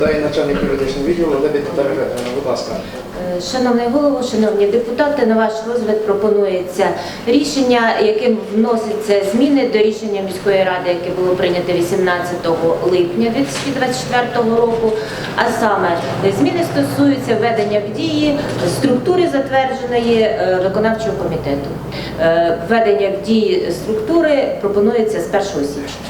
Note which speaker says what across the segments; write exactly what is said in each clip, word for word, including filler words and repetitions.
Speaker 1: Дає начальник юридичного відділу Лебідь Наталія Федорівна, будь ласка.
Speaker 2: Шановний голово, шановні депутати, на ваш розгляд пропонується рішення, яким вносяться зміни до рішення міської ради, яке було прийнято вісімнадцятого липня дві тисячі двадцять четвертого року. А саме, зміни стосуються введення в дії структури затвердженої виконавчого комітету. Введення в дії структури пропонується з першого січня.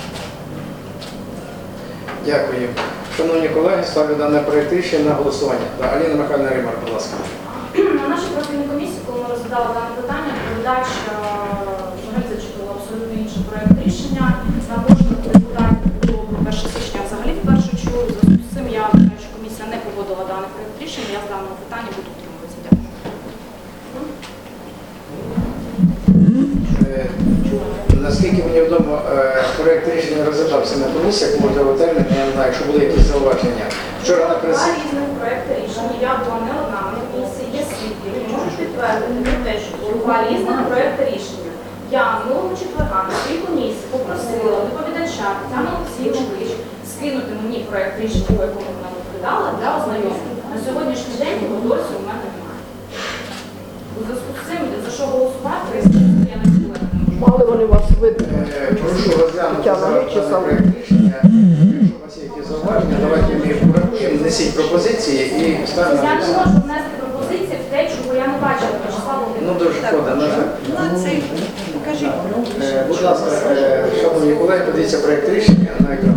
Speaker 1: Дякую. Шановні колеги, ставлю дане проєкт рішення на голосування. Да, Аліна Михайлівна Римар, будь ласка.
Speaker 3: На нашій профільній комісії, коли ми розглядали дане питання, доповідач взагалі зачитував абсолютно інший проєкт рішення. На кожного депутатів було перше січня взагалі вперше чую. В зв'язку з цим я вважаю, що комісія не погодила даний проєкт рішення. Я з даного питання буду утримуватися. Дякую.
Speaker 1: Наскільки мені відомо, проєкт рішення розглядався на комісіях, можливо, термін, я не знаю, якщо були якісь зауваження. Вчора на пресі...
Speaker 3: Два різних проєкти рішення. Я була не одна, на комісії є свідки. Можу підтвердити те, що було два різних проєкти рішення. Я минулого четверга на своїй комісії попросила доповідача Тетяну Олексійович скинути мені проєкт рішення, по якому вона доповідала, для ознайомлення. На сьогоднішній день його досі у мене немає. У зв'язку з цим, за що голосувати, я не була.
Speaker 4: Мали вони вас видно?
Speaker 1: Прошу розглянути зараз дане проєкт рішення. Якщо у вас є якісь зауваження, давайте ми їх порахуємо, несіть пропозиції і ставимо.
Speaker 3: Я не можу внести пропозиції в те, чого я не бачила Вячеслава
Speaker 1: Ну, дуже шкода, на жаль.
Speaker 4: Ну, це покажіть.
Speaker 1: Е, Будь ласка, е, шановні колеги, подивіться проєкт рішення на екран.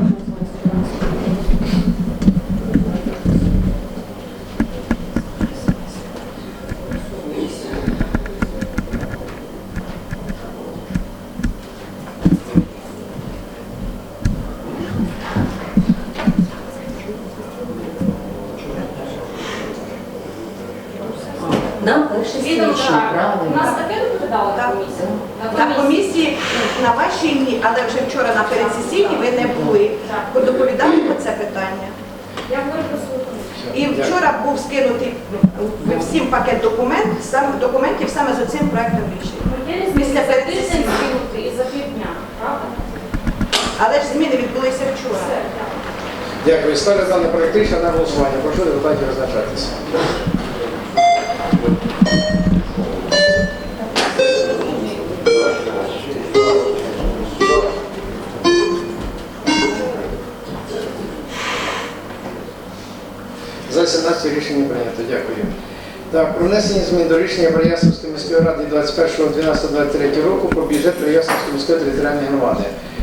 Speaker 2: Нам перше
Speaker 3: Відомо,
Speaker 2: січня,
Speaker 3: так. У
Speaker 2: правильно.
Speaker 3: нас таке доповідала
Speaker 4: Так.
Speaker 3: комісія?
Speaker 4: На комісії, на вашій ні, але вже вчора на передсесійній ви не були. Ви доповідали про це питання.
Speaker 3: Я говорю про свою комісію.
Speaker 4: І вчора був скинутий всім пакет документ, сам, документів саме з цим проектом рішення.
Speaker 3: Ну, є
Speaker 4: Після
Speaker 3: різниця за
Speaker 4: передсесійної.
Speaker 3: тиждень скинути і за півдня, правда?
Speaker 4: Але ж зміни відбулися вчора.
Speaker 3: Все, дякую.
Speaker 1: Дякую. Ставлю дане проєкт рішення на голосування. Прошу депутатів визначатися. За сімнадцять рішення прийнято. Дякую. Так, про внесення змін до рішення Переяславської міської ради двадцять першого дванадцятого двадцять третього року про бюджет Переяславської міської територіальної громади.